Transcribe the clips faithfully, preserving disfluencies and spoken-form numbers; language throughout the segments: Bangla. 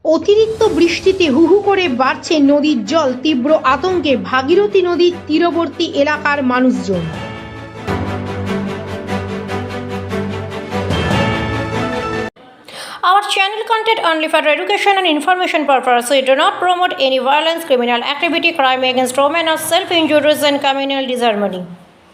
অতিরিক্ত বৃষ্টিতে হু হু করে বাড়ছে নদীর জল, তীব্র আতঙ্কে ভাগীরথী নদীর তীরবর্তী এলাকার মানুষজন। Our channel content only for education and information purpose. We do not promote any violence, criminal activity, crime against women, or self-injuries and communal disharmony.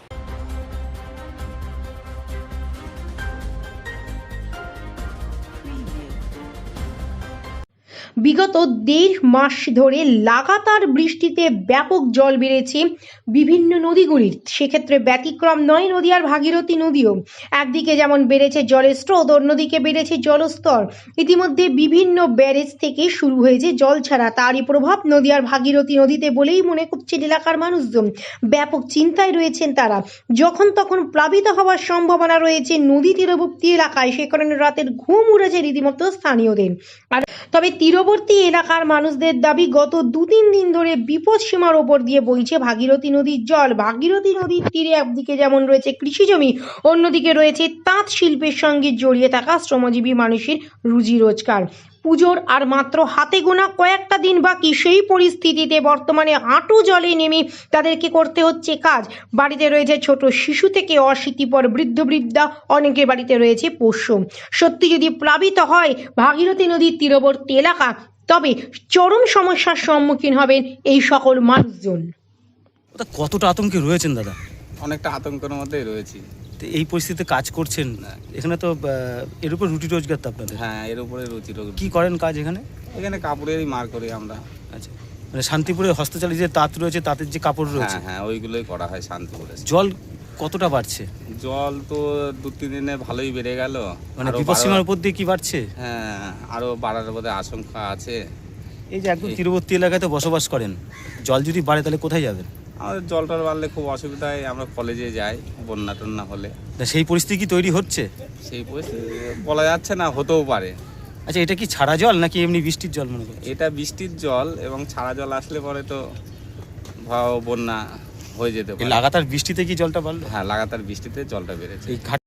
বিগত দেড় মাস ধরে লাগাতার বৃষ্টিতে ব্যাপক জল বেড়েছে বিভিন্ন নদীগুলির। সেক্ষেত্রে ব্যতিক্রম নয় নদীয়ার ভাগীরথী নদীও। একদিকে যেমন বেড়েছে জলের স্রোত, অন্যদিকে বেড়েছে জলস্তর। ইতিমধ্যে বিভিন্ন ব্যারেজ থেকে শুরু হয়েছে জল ছাড়া, তারই প্রভাব নদীয়ার ভাগীরথী নদীতে বলেই মনে করছেন এলাকার মানুষজন। ব্যাপক চিন্তায় রয়েছেন তারা। যখন তখন প্লাবিত হওয়ার সম্ভাবনা রয়েছে নদী তীরবর্তী এলাকায়, সে কারণে রাতের ঘুম উড়েছে রীতিমতো স্থানীয়দের। আর তবে তীরবর্তী এলাকার মানুষদের দাবি, গত দু তিন দিন ধরে বিপদ সীমার ওপর দিয়ে বইছে ভাগীরথী নদীর জল। ভাগীরথী নদীর তীরে একদিকে যেমন রয়েছে কৃষি জমি, অন্যদিকে রয়েছে তাঁত শিল্পের সঙ্গে জড়িয়ে থাকা শ্রমজীবী মানুষের রুজি রোজগার। পুজোর আর মাত্র হাতে গোনা কয়েকটা দিন বাকি, সেই পরিস্থিতিতে বর্তমানে হাঁটু জলে নেমে তাদেরকে করতে হচ্ছে কাজ। বাড়িতে রয়েছে ছোট শিশু থেকে অশীতিপর বৃদ্ধ বৃদ্ধা, অনেকের বাড়িতে রয়েছে পোষ্য। সত্যি যদি প্লাবিত হয় ভাগীরথী নদীর তীরবর্তী এলাকা, তবে চরম সমস্যার সম্মুখীন হবেন এই সকল মানুষজন। কতটা আতঙ্কে রয়েছেন দাদা? অনেকটা আতঙ্কের মধ্যেই রয়েছি। তো এই পরিস্থিতিতে কাজ করছেন এখানে তো, এর উপর রুটি রোজগার তো আপনাদের? হ্যাঁ, এর উপরে রুচি রোগ। কি করেন কাজ এখানে? এখানে কাপড়েরই মার করি আমরা। আচ্ছা, মানে শান্তিপুরে হস্তচালিত যে তাঁত রয়েছে, তাঁতের যে কাপড় রয়েছে, হ্যাঁ হ্যাঁ ওইগুলোই করা হয় শান্তিপুরে। জল কতটা বাড়ছে? জল তো দু তিন দিনে ভালোই বেড়ে গেল। মানে আরো বিপদসীমার বাড়ার- উপর দিয়ে কি বাড়ছে? হ্যাঁ, আরো বাড়ার বোধহয় আশঙ্কা আছে। এই যে একদম তীরবর্তী এলাকায় তো বসবাস করেন, জল যদি বাড়ে তাহলে কোথায় যাবেন? আমাদের জলটার বাড়লে খুব অসুবিধায়, আমরা কলেজে যাই বন্যা টন্যা হলে। তা সেই পরিস্থিতি কি তৈরি হচ্ছে? সেই পরিস্থিতি বলা যাচ্ছে না, হতেও পারে। আচ্ছা, এটা কি ছাড়া জল নাকি এমনি বৃষ্টির জল মনে করছেন? এটা বৃষ্টির জল, এবং ছাড়া জল আসলে পরে তো ভয়াবহ বন্যা হয়ে যেতে এই পারে। লাগাতার বৃষ্টিতে কি জলটা বাড়লো? হ্যাঁ, লাগাতার বৃষ্টিতে জলটা বেড়েছে। এই ঘাট